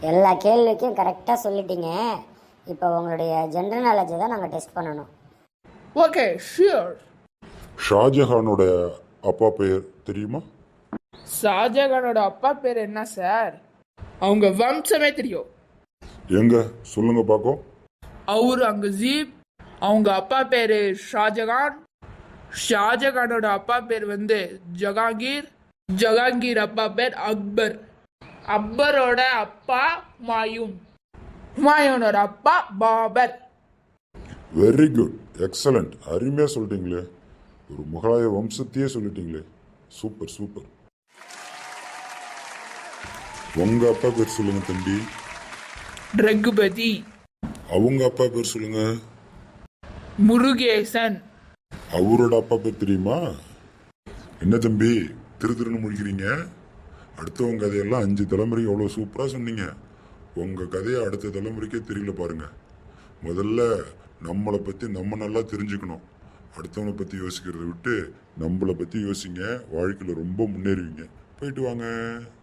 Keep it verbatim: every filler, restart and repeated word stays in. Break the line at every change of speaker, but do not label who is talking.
எல்லா கேள்விக்கும் கரெக்டாக சொல்லிட்டீங்க. இப்போ உங்களுடைய ஜென்ரல் நாலேஜை தான் நாங்கள் டெஸ்ட் பண்ணணும்.
Okay, sure.
ஷாஜஹானோட அப்பா பெயர் தெரியுமா?
ஷாஜகானோட அப்பா பேர் என்ன சார்? அவங்க வம்சமே தெரியும்.
எங்க சொல்லுங்க பாக்கோ.
அவரு அங்கசீப், அவங்க அப்பா பேரு ஷாஜகான். ஷாஜகானோட அப்பா பேர் வந்து ஜகாங்கீர். ஜகாங்கீர் அப்பா பேர் அக்பர். அக்பரோட அப்பா ஹுமாயூன். ஹுமாயூனோட அப்பா பாபர்.
வெரி குட், எக்ஸலண்ட், அருமையா சொல்லிட்டீங்களே. ஒரு முகலாய வம்சத்தையே சொல்லிட்டீங்களே. Super super. உங்க அப்பா பேர் சொல்லுங்க தம்பி.
ரகுபதி.
அவங்க அப்பா பேர் சொல்லுங்க.
முருகேசன்.
அவரோட அப்பா பேர் தெரியுமா? என்ன தம்பி திரு திருன்னு முடிக்கிறீங்க? அடுத்தவங்க கதையெல்லாம் அஞ்சு தலைமுறைக்கு எவ்வளோ சூப்பராக சொன்னீங்க. உங்கள் கதையை அடுத்த தலைமுறைக்கே தெரியல பாருங்க. முதல்ல நம்மளை பற்றி நம்ம நல்லா தெரிஞ்சுக்கணும். அடுத்தவங்களை பற்றி யோசிக்கிறத விட்டு நம்மளை பற்றி யோசிங்க. வாழ்க்கையில் ரொம்ப முன்னேறுவீங்க. போயிட்டு வாங்க.